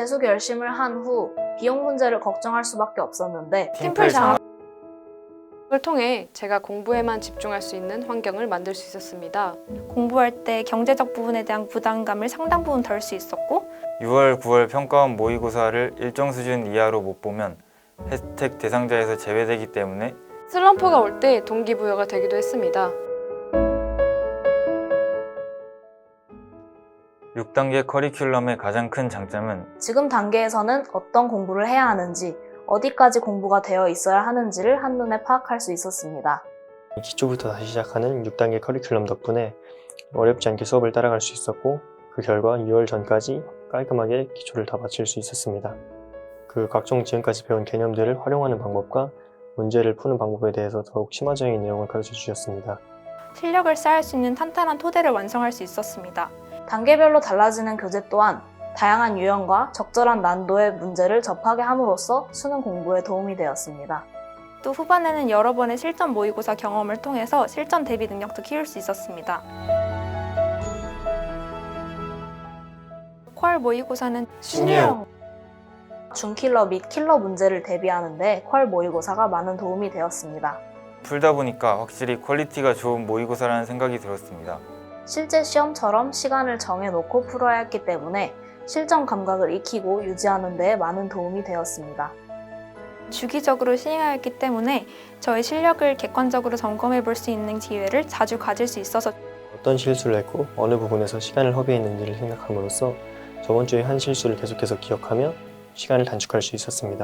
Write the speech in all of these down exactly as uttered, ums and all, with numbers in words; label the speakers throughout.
Speaker 1: 재수 결심을 한 후 비용 문제를 걱정할 수밖에 없었는데
Speaker 2: 팀플 장학을 통해 제가 공부에만 집중할 수 있는 환경을 만들 수 있었습니다.
Speaker 3: 공부할 때 경제적 부분에 대한 부담감을 상당 부분 덜 수 있었고
Speaker 4: 유월, 구월 평가원 모의고사를 일정 수준 이하로 못 보면 혜택 대상자에서 제외되기 때문에
Speaker 2: 슬럼프가 올 때 동기부여가 되기도 했습니다.
Speaker 4: 육 단계 커리큘럼의 가장 큰 장점은
Speaker 1: 지금 단계에서는 어떤 공부를 해야 하는지, 어디까지 공부가 되어 있어야 하는지를 한눈에 파악할 수 있었습니다.
Speaker 5: 기초부터 다시 시작하는 육 단계 커리큘럼 덕분에 어렵지 않게 수업을 따라갈 수 있었고 그 결과 유월 전까지 깔끔하게 기초를 다 마칠 수 있었습니다. 그 각종 지금까지 배운 개념들을 활용하는 방법과 문제를 푸는 방법에 대해서 더욱 심화적인 내용을 가르쳐 주셨습니다.
Speaker 3: 실력을 쌓을 수 있는 탄탄한 토대를 완성할 수 있었습니다.
Speaker 1: 단계별로 달라지는 교재 또한 다양한 유형과 적절한 난도의 문제를 접하게 함으로써 수능 공부에 도움이 되었습니다.
Speaker 3: 또 후반에는 여러 번의 실전 모의고사 경험을 통해서 실전 대비 능력도 키울 수 있었습니다. 퀄 모의고사는
Speaker 2: 신유형
Speaker 1: 준킬러 및 킬러 문제를 대비하는데 퀄 모의고사가 많은 도움이 되었습니다.
Speaker 4: 풀다 보니까 확실히 퀄리티가 좋은 모의고사라는 생각이 들었습니다.
Speaker 1: 실제 시험처럼 시간을 정해놓고 풀어야 했기 때문에 실전 감각을 익히고 유지하는 데 많은 도움이 되었습니다.
Speaker 3: 주기적으로 시행하였기 때문에 저의 실력을 객관적으로 점검해 볼 수 있는 기회를 자주 가질 수 있어서
Speaker 5: 어떤 실수를 했고 어느 부분에서 시간을 허비했는지를 생각함으로써 저번 주에 한 실수를 계속해서 기억하며 시간을 단축할 수 있었습니다.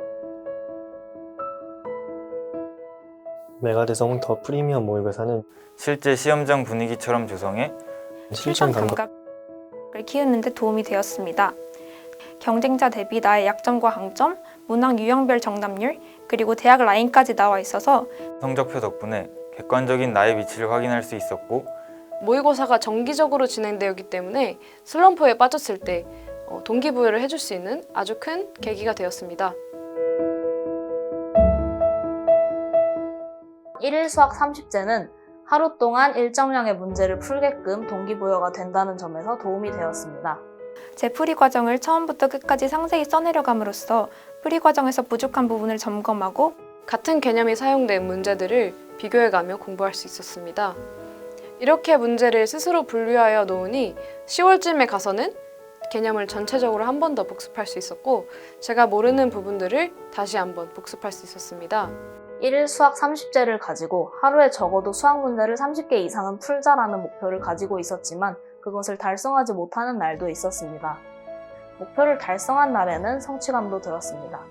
Speaker 5: 메가대성 더 프리미엄 모의고사는
Speaker 4: 실제 시험장 분위기처럼 조성해
Speaker 5: 실전 감각
Speaker 3: 감각을 키우는 데 도움이 되었습니다. 경쟁자 대비 나의 약점과 강점, 문항 유형별 정답률, 그리고 대학 라인까지 나와 있어서
Speaker 4: 성적표 덕분에 객관적인 나의 위치를 확인할 수 있었고
Speaker 2: 모의고사가 정기적으로 진행되었기 때문에 슬럼프에 빠졌을 때 동기부여를 해줄 수 있는 아주 큰 계기가 되었습니다.
Speaker 1: 일일 수학 삼십제는 하루 동안 일정량의 문제를 풀게끔 동기부여가 된다는 점에서 도움이 되었습니다.
Speaker 3: 제 풀이 과정을 처음부터 끝까지 상세히 써내려감으로써 풀이 과정에서 부족한 부분을 점검하고
Speaker 2: 같은 개념이 사용된 문제들을 비교해가며 공부할 수 있었습니다. 이렇게 문제를 스스로 분류하여 놓으니 시월쯤에 가서는 개념을 전체적으로 한 번 더 복습할 수 있었고 제가 모르는 부분들을 다시 한번 복습할 수 있었습니다.
Speaker 1: 일일 수학 삼십제를 가지고 하루에 적어도 수학 문제를 삼십 개 이상은 풀자라는 목표를 가지고 있었지만 그것을 달성하지 못하는 날도 있었습니다. 목표를 달성한 날에는 성취감도 들었습니다.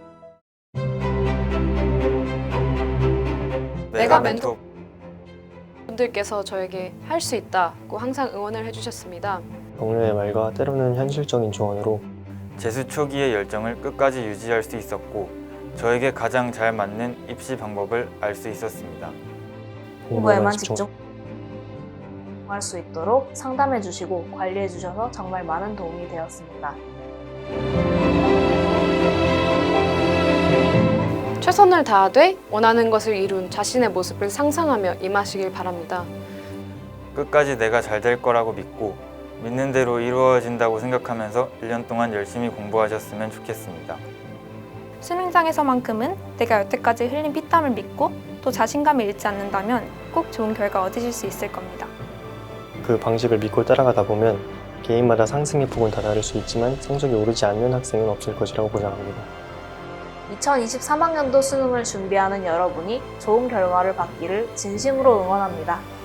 Speaker 2: 내가 멘토 분들께서 저에게 할 수 있다고 항상 응원을 해주셨습니다.
Speaker 5: 동료의 말과 때로는 현실적인 조언으로
Speaker 4: 재수 초기의 열정을 끝까지 유지할 수 있었고 저에게 가장 잘 맞는 입시 방법을 알 수 있었습니다.
Speaker 1: 공부에만 집중할 수 있도록 상담해 주시고 관리해 주셔서 정말 많은 도움이 되었습니다.
Speaker 2: 최선을 다하되 원하는 것을 이룬 자신의 모습을 상상하며 임하시길 바랍니다.
Speaker 4: 끝까지 내가 잘 될 거라고 믿고 믿는 대로 이루어진다고 생각하면서 일 년 동안 열심히 공부하셨으면 좋겠습니다.
Speaker 3: 수능장에서만큼은 내가 여태까지 흘린 피땀을 믿고 또 자신감을 잃지 않는다면 꼭 좋은 결과 얻으실 수 있을 겁니다.
Speaker 5: 그 방식을 믿고 따라가다 보면 개인마다 상승의 폭은 다 다를 수 있지만 성적이 오르지 않는 학생은 없을 것이라고 보장합니다.
Speaker 1: 이천이십삼학년도 수능을 준비하는 여러분이 좋은 결과를 받기를 진심으로 응원합니다.